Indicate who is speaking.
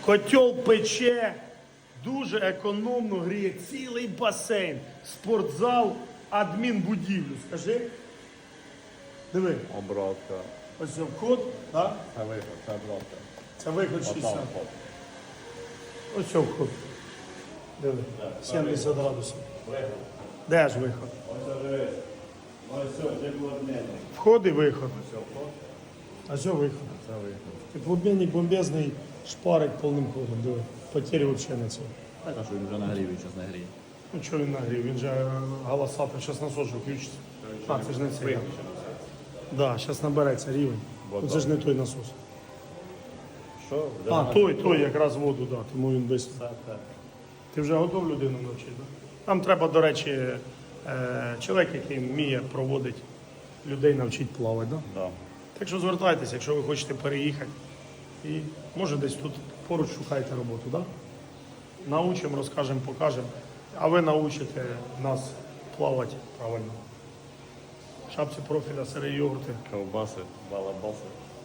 Speaker 1: Котел пече, дуже економно гріє цілий басейн, спортзал, адмінбудівлю. Скажи. Диви,
Speaker 2: Обратка.
Speaker 1: ось це вход, так?
Speaker 2: Це виход, це обратка.
Speaker 1: Це виход 60.
Speaker 2: Отам вход.
Speaker 1: Ось це вход. Диви, 70 градусів.
Speaker 2: Виход.
Speaker 1: Де ж виход?
Speaker 2: Ось це дивись. Ось це теплообмінник.
Speaker 1: Вход і виход.
Speaker 2: Ось це вход,
Speaker 1: А це виход.
Speaker 2: це виход.
Speaker 1: Теплообмінник бомбезний, шпарить повним ходом. Диви, потері взагалі не це.
Speaker 2: Так, а що він вже нагрів, він зараз не гріє.
Speaker 1: Ну чого він нагрів? Він же галасатий, зараз насос же включиться. А, це ж не цей. Так, да, зараз набереться рівень. Ну, це ж не той насос.
Speaker 2: Що?
Speaker 1: А, той якраз воду, да, тому він без.
Speaker 2: Це те.
Speaker 1: Ти вже готов людину навчити? Да? Там треба, до речі, чоловік, який вміє проводити людей, навчити плавати. Да?
Speaker 2: Да.
Speaker 1: Так що звертайтеся, якщо ви хочете переїхати. І може десь тут поруч шукайте роботу. Да? Научимо, розкажемо, покажемо. А ви научите нас плавати правильно. Шапці профіля, сири йогурти.
Speaker 2: Ковбаси, балабаси.